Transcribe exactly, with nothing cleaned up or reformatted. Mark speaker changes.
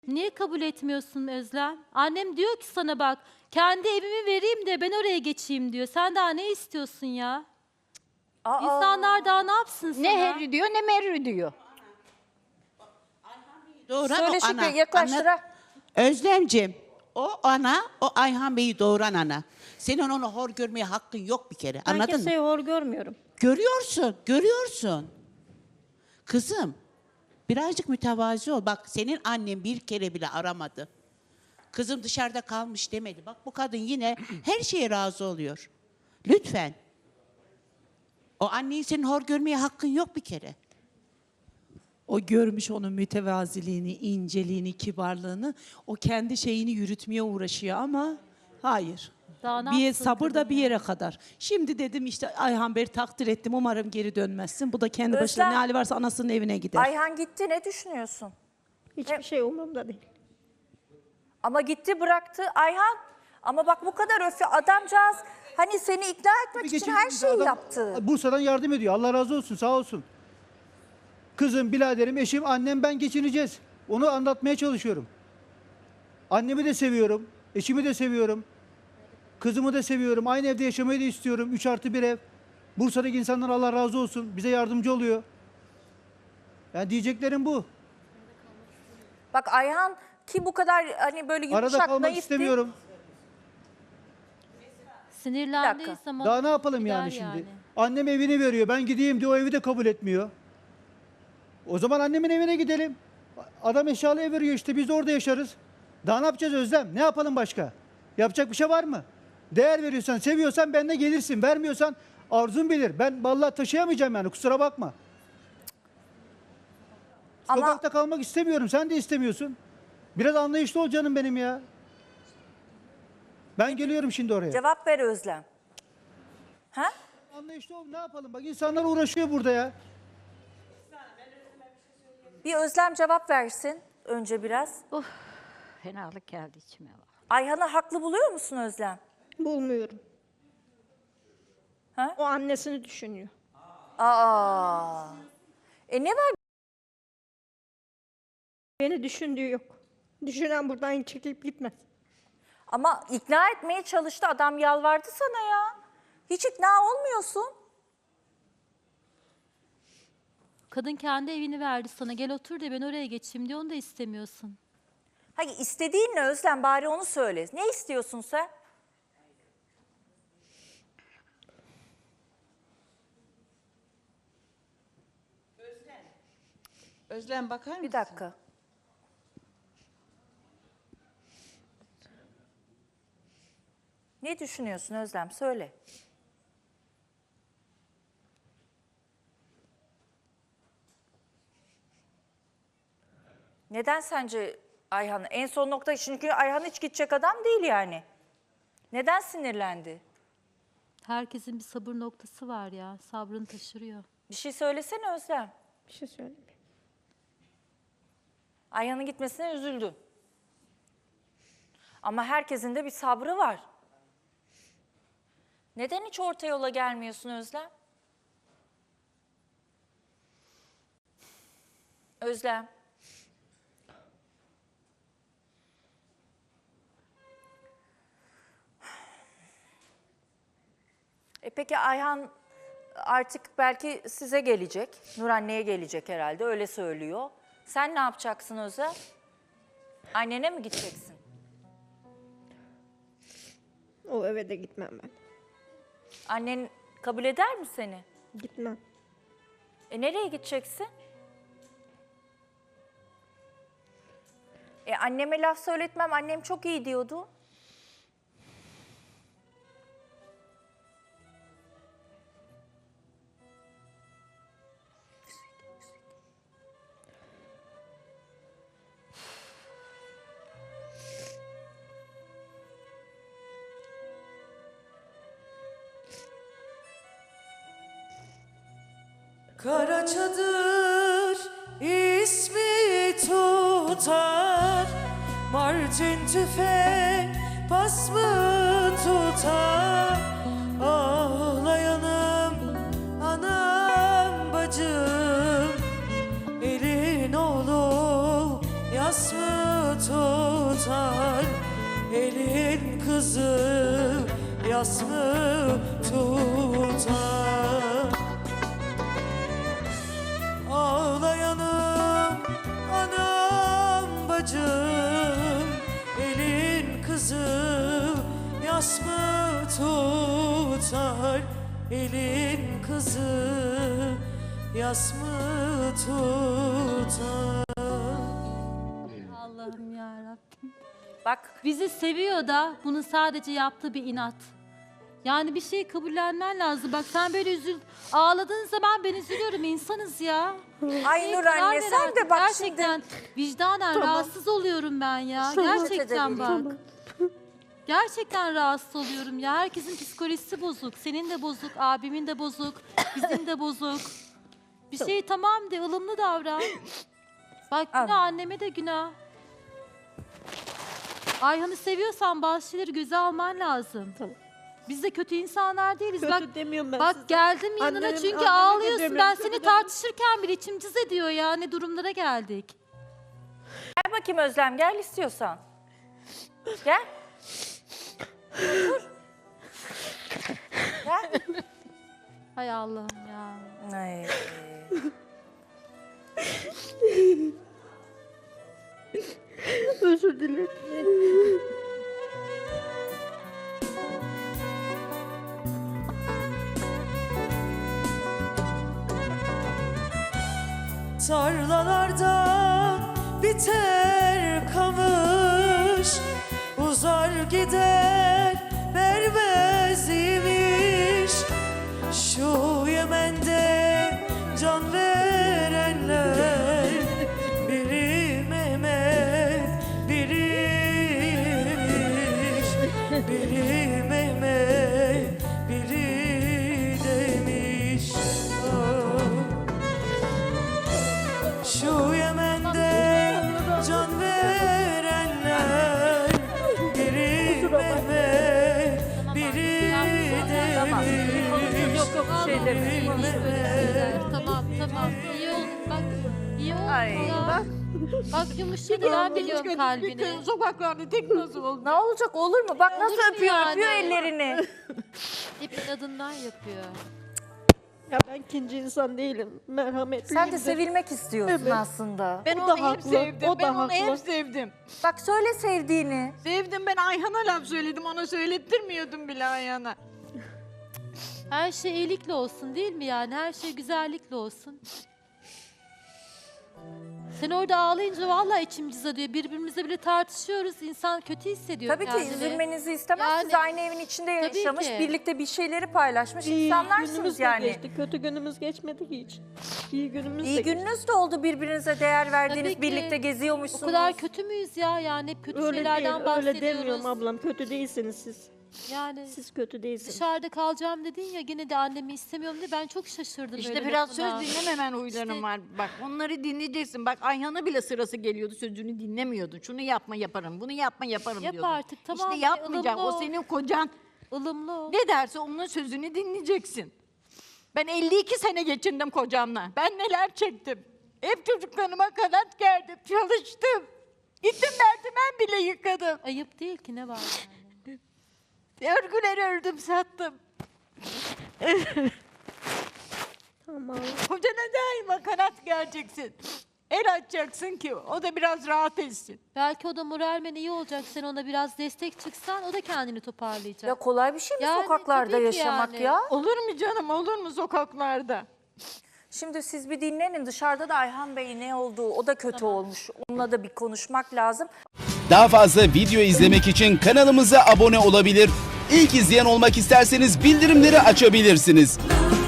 Speaker 1: Niye kabul etmiyorsun Özlem? Annem diyor ki sana bak, kendi evimi vereyim de ben oraya geçeyim diyor. Sen daha ne istiyorsun ya?
Speaker 2: Aa,
Speaker 1: İnsanlar daha ne yapsın sana?
Speaker 3: Ne herri diyor ne merri diyor.
Speaker 4: Doğuran
Speaker 2: söyle
Speaker 4: o ana.
Speaker 2: Şükrü yaklaştıra.
Speaker 4: Anlat- Özlemciğim, o ana, o Ayhan Bey'i doğuran ana. Senin onu hor görmeye hakkın yok bir kere.
Speaker 3: Ben
Speaker 4: Anladın
Speaker 3: kimseyi
Speaker 4: mı?
Speaker 3: hor görmüyorum.
Speaker 4: Görüyorsun, görüyorsun. Kızım, birazcık mütevazi ol. Bak senin annen bir kere bile aramadı. Kızım dışarıda kalmış demedi. Bak bu kadın yine her şeye razı oluyor. Lütfen. O anneyi senin hor görmeye hakkın yok bir kere.
Speaker 5: O görmüş onun mütevaziliğini, inceliğini, kibarlığını. O kendi şeyini yürütmeye uğraşıyor ama hayır.
Speaker 1: Daha ne
Speaker 5: Bir
Speaker 1: yapsın
Speaker 5: sabır da
Speaker 1: kadın
Speaker 5: bir
Speaker 1: ya?
Speaker 5: yere kadar. Şimdi dedim işte Ayhan Bey'i takdir ettim. Umarım geri dönmezsin. Bu da kendi başına
Speaker 2: Özlem-
Speaker 5: ne hali varsa anasının evine gider.
Speaker 2: Ayhan gitti, ne düşünüyorsun?
Speaker 3: Hiçbir şey umurumda değil.
Speaker 2: Ama gitti bıraktı Ayhan. Ama bak bu kadar öfke adamcağız hani seni ikna etmek
Speaker 6: Bir
Speaker 2: için
Speaker 6: geçen
Speaker 2: her
Speaker 6: bir
Speaker 2: şeyi
Speaker 6: adam
Speaker 2: yaptı.
Speaker 6: Bursa'dan yardım ediyor. Allah razı olsun, sağ olsun. Kızım, biraderim, eşim, annem, ben geçineceğiz. Onu anlatmaya çalışıyorum. Annemi de seviyorum, eşimi de seviyorum. Kızımı da seviyorum. Aynı evde yaşamayı da istiyorum. Üç artı bir ev. Bursa'daki insanlar Allah razı olsun. Bize yardımcı oluyor. Yani diyeceklerim bu.
Speaker 2: Bak Ayhan ki bu kadar hani böyle
Speaker 6: Arada
Speaker 2: yumuşak
Speaker 6: kalmak
Speaker 2: naif
Speaker 6: istemiyorum.
Speaker 1: Sinirlendiği
Speaker 2: Bir dakika.
Speaker 1: zaman
Speaker 6: Daha ne yapalım
Speaker 1: gider
Speaker 6: yani şimdi? Annem evini veriyor. Ben gideyim diye o evi de kabul etmiyor. O zaman annemin evine gidelim. Adam eşyalı ev veriyor işte, biz de orada yaşarız. Daha ne yapacağız Özlem? Ne yapalım başka? Yapacak bir şey var mı? Değer veriyorsan, seviyorsan benimle gelirsin. Vermiyorsan arzun bilir. Ben vallahi taşıyamayacağım yani, kusura bakma.
Speaker 2: Ama-
Speaker 6: Sokakta kalmak istemiyorum. Sen de istemiyorsun. Biraz anlayışlı ol canım benim ya. Ben geliyorum şimdi oraya.
Speaker 2: Cevap ver Özlem. Ha?
Speaker 6: Anlayışlı ol, ne yapalım? Bak insanlar uğraşıyor burada ya.
Speaker 2: Bir Özlem cevap versin önce biraz.
Speaker 3: Fenalık geldi içime. Bak.
Speaker 2: Ayhan'ı haklı buluyor musun Özlem?
Speaker 7: Bulmuyorum.
Speaker 2: Ha?
Speaker 7: O annesini düşünüyor.
Speaker 2: Aa. E ne var?
Speaker 7: Beni düşündüğü yok. Düşünen buradan çekilip gitmez.
Speaker 2: Ama ikna etmeye çalıştı. Adam yalvardı sana ya. Hiç ikna olmuyorsun.
Speaker 1: Kadın kendi evini verdi sana. Gel otur de ben oraya geçeyim diyor. Onu da istemiyorsun.
Speaker 2: Hayır, istediğin ne Özlem? Bari onu söyle. Ne istiyorsun sen?
Speaker 4: Özlem bakar mısın?
Speaker 2: Bir dakika. Ne düşünüyorsun Özlem? Söyle. Neden sence Ayhan? En son nokta, çünkü Ayhan hiç gidecek adam değil yani. Neden sinirlendi?
Speaker 1: Herkesin bir sabır noktası var ya. Sabrını taşırıyor.
Speaker 2: Bir şey söylesene Özlem.
Speaker 7: Bir şey söyleyeyim.
Speaker 2: Ayhan'ın gitmesine üzüldün. Ama herkesin de bir sabrı var. Neden hiç orta yola gelmiyorsun Özlem? Özlem. E peki Ayhan artık belki size gelecek. Nur anneye gelecek herhalde, öyle söylüyor. Sen ne yapacaksın Özlem? Annene mi gideceksin?
Speaker 7: O eve de gitmem ben.
Speaker 2: Annen kabul eder mi seni?
Speaker 7: Gitmem.
Speaker 2: E nereye gideceksin? E anneme laf söyletmem, annem çok iyi diyordu.
Speaker 8: Kara çadır ismi tutar, Mardin tüfek pas mı tutar? Ağlayanım anam bacım, elin oğlu yas mı yas mı tutar? Ağlayanım anam bacım, elin kızı yas mı tutar? Elin kızı yas mı tutar?
Speaker 1: Allah'ım yarabbim.
Speaker 2: Bak
Speaker 1: Bizi seviyor da bunun sadece yaptığı bir inat. Yani bir şeyi kabullenmen lazım. Bak sen böyle üzül, ağladığın zaman ben üzülüyorum. İnsanız ya.
Speaker 2: ay
Speaker 1: Neye
Speaker 2: Nur
Speaker 1: karar
Speaker 2: anne
Speaker 1: ver
Speaker 2: sen
Speaker 1: artık.
Speaker 2: de bak
Speaker 1: Gerçekten vicdanen rahatsız oluyorum ben ya. Gerçekten bak. Gerçekten rahatsız oluyorum ya. Herkesin psikolojisi bozuk. Senin de bozuk, abimin de bozuk, bizim de bozuk. Bir şey tamam de, ılımlı davran. Bak günah, anneme de günah. Ayhan'ı seviyorsan bazı şeyleri göze alman lazım.
Speaker 7: Tamam.
Speaker 1: Biz de kötü insanlar değiliz.
Speaker 7: Kötü
Speaker 1: bak
Speaker 7: demiyorum ben
Speaker 1: bak
Speaker 7: size.
Speaker 1: geldim yanına
Speaker 7: Annenim-
Speaker 1: çünkü
Speaker 7: anneme de
Speaker 1: ağlıyorsun.
Speaker 7: demiyorum,
Speaker 1: Ben
Speaker 7: kötü
Speaker 1: seni
Speaker 7: demiyorum.
Speaker 1: tartışırken bile içim cız ediyor ya. Ne durumlara geldik.
Speaker 2: gel bakayım Özlem, gel istiyorsan. Gel. Dur. Gel.
Speaker 1: Hay Allah'ım ya.
Speaker 2: Ay.
Speaker 7: Özür dilerim.
Speaker 8: Tarlalardan biter kamış, uzar gider vermez imiş. Şu Yemen'de can verenler, biri Mehmet, biriymiş. Biri Mehmet, biri demiş. Ah. Şu Yemen'de can verenler, biri Mehmet, biri demiş.
Speaker 1: Yok yok
Speaker 2: şey demedim.
Speaker 1: İyi, iyi, böyle şeyler. Tamam tamam. İyi oldu bak. İyi oldu
Speaker 2: Ay,
Speaker 1: ya.
Speaker 2: bak.
Speaker 1: Bak yumuşadı, ben biliyorum kalbini.
Speaker 3: Sokaklarda tek nasıl oldu?
Speaker 2: Ne olacak, olur mu? Bak nasıl
Speaker 1: Olur mu
Speaker 2: öpüyor,
Speaker 1: yani?
Speaker 2: öpüyor ellerini.
Speaker 1: Hep inadından yapıyor.
Speaker 7: Ya ben ikinci insan değilim. Merhametliyim.
Speaker 2: Sen de
Speaker 7: de.
Speaker 2: sevilmek istiyorsun
Speaker 7: Evet.
Speaker 2: aslında.
Speaker 3: Ben
Speaker 7: O
Speaker 3: onu
Speaker 7: da
Speaker 3: hep
Speaker 7: haklı,
Speaker 3: sevdim.
Speaker 7: o da
Speaker 3: ben onu hep
Speaker 7: haklı.
Speaker 3: sevdim.
Speaker 2: Bak söyle sevdiğini.
Speaker 3: Sevdim, ben Ayhan'a laf söyledim. Ona söylettirmiyordum bile Ayhan'a.
Speaker 1: Her şey iyilikle olsun değil mi yani? Her şey güzellikle olsun. Sen orada ağlayınca vallahi içim cızadıyor. Birbirimizle bile tartışıyoruz. İnsan kötü hissediyor
Speaker 2: Tabii ki
Speaker 1: kendini.
Speaker 2: üzülmenizi istemez.
Speaker 1: Yani-
Speaker 2: Siz aynı evin içinde
Speaker 1: Tabii
Speaker 2: yaşamış,
Speaker 1: ki.
Speaker 2: birlikte bir şeyleri paylaşmış
Speaker 7: İyi
Speaker 2: insanlarsınız
Speaker 7: günümüz de
Speaker 2: yani.
Speaker 7: geçti. Kötü günümüz geçmedi ki hiç. İyi günümüz de
Speaker 2: İyi
Speaker 7: geçti.
Speaker 2: gününüz de oldu, birbirinize değer verdiğiniz,
Speaker 1: Tabii ki.
Speaker 2: birlikte
Speaker 1: O
Speaker 2: geziyormuşsunuz.
Speaker 1: kadar kötü müyüz ya? Yani hep kötü
Speaker 7: Öyle değil,
Speaker 1: şeylerden bahsediyoruz.
Speaker 7: öyle demiyorum ablam. Kötü değilsiniz siz.
Speaker 1: Yani
Speaker 7: Siz kötü değilsiniz.
Speaker 1: dışarıda kalacağım dedin ya, gene de annemi istemiyorum diye ben çok şaşırdım.
Speaker 3: İşte
Speaker 1: öyle
Speaker 3: biraz
Speaker 1: lafına.
Speaker 3: söz dinlememen huyların
Speaker 1: İşte-
Speaker 3: var. Bak onları dinleyeceksin. Bak Ayhan'a bile sırası geliyordu, sözünü dinlemiyordun. Şunu yapma yaparım, bunu yapma yaparım
Speaker 1: Yap
Speaker 3: diyordun.
Speaker 1: artık, tamam,
Speaker 3: İşte yapmayacak.
Speaker 1: ılımlı
Speaker 3: O
Speaker 1: ol.
Speaker 3: senin kocan.
Speaker 1: ılımlı ol.
Speaker 3: Ne derse onun sözünü dinleyeceksin. Ben elli iki sene geçindim kocamla. Ben neler çektim. Hep çocuklarıma kanat gerdim, çalıştım. Gittim merdiven bile yıkadım.
Speaker 1: Ayıp değil ki, ne var yani?
Speaker 3: Örgüleri ördüm, sattım.
Speaker 7: Tamam.
Speaker 3: Kocana daima kanat gereceksin. El açacaksın ki o da biraz rahat etsin.
Speaker 1: Belki o da moralmen iyi olacak. Sen ona biraz destek çıksan o da kendini toparlayacak.
Speaker 2: Ya kolay bir şey mi
Speaker 1: Yani
Speaker 2: sokaklarda
Speaker 1: tabii ki
Speaker 2: yaşamak
Speaker 1: yani.
Speaker 2: ya?
Speaker 3: Olur mu canım, olur mu sokaklarda?
Speaker 2: Şimdi siz bir dinlenin, dışarıda da Ayhan Bey ne olduğu, o da kötü olmuş. Onunla da bir konuşmak lazım.
Speaker 9: Daha fazla video izlemek için kanalımıza abone olabilir. İlk izleyen olmak isterseniz bildirimleri açabilirsiniz.